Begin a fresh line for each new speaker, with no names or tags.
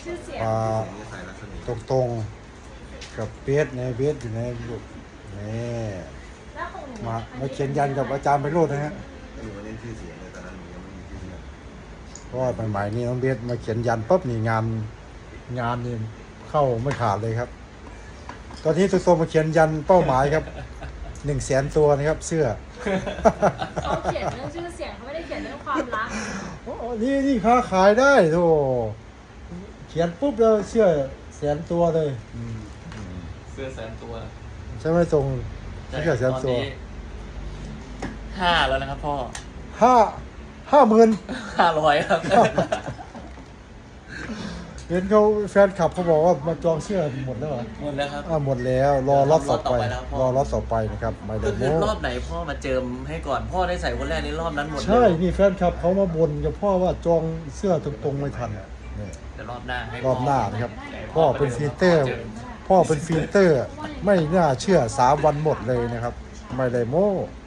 ชื่อเสียง
ปลา
นี่ใส่ลักษณะ
ตรงๆกับเบสในเบสอยู่ในลูกนี่
แล้วของหนู
มาเขียนยันกับอาจารย์ไปโรดนะฮะ
หนูมาเล่นชื่อเสียงเลยตอนนั้นหนูยังไม่มีชื่อเสียง
เพราะว่าใหม่ๆนี่น้องเบสมาเขียนยันปุ๊บนี่งานนี่เข้าไม่ขาดเลยครับ ตอนนี้ตัวโตมาเขียนยันเป้าหมายครับ100,000 ตัวนะครับเสื้อ
เขาเขียนเรื่องชื่อเสียงเขาไม่ได้เขียนเรื่องความรัก
โอ้นี่ค้าขายได้โธ่เขียนปุ๊บแล้วเสื้อ100,000 ตัวเลย
เสื้อ100,000 ตัว
ใช่ไหมตรงเสื้อ100,000 ตัว
5แล้วนะครับพ่อ
50,000
500ครับ
เห็นเขาแฟนคลับเขาบอกว่ามาจองเสื้อหมดแล้วเหรอ
หมดแล้วครับ
หมดแล้วรอรอบต่อไป
แล้วพ่อ
รอรอบต่อไปนะครับไม่ได้
ก็คือ
โม้
รอบไหนพ่อมาเจิมให้ก่อนพ่อได้ใส่คนแรกในรอบนั้นหมดเลย
ใช่นี่แฟนคลับเขามาบ่นกับพ่อว่าจองเสื้อตรงๆไม่ทันนี่
แต่รอบหน้าให้
รอบหน้านะครับ พ่อเป็นฟีเตอร์ พ่อเป็นฟีเตอร์ ไม่น่าเชื่อ3 วันหมดเลยนะครับ ไม่ได้โม้
เ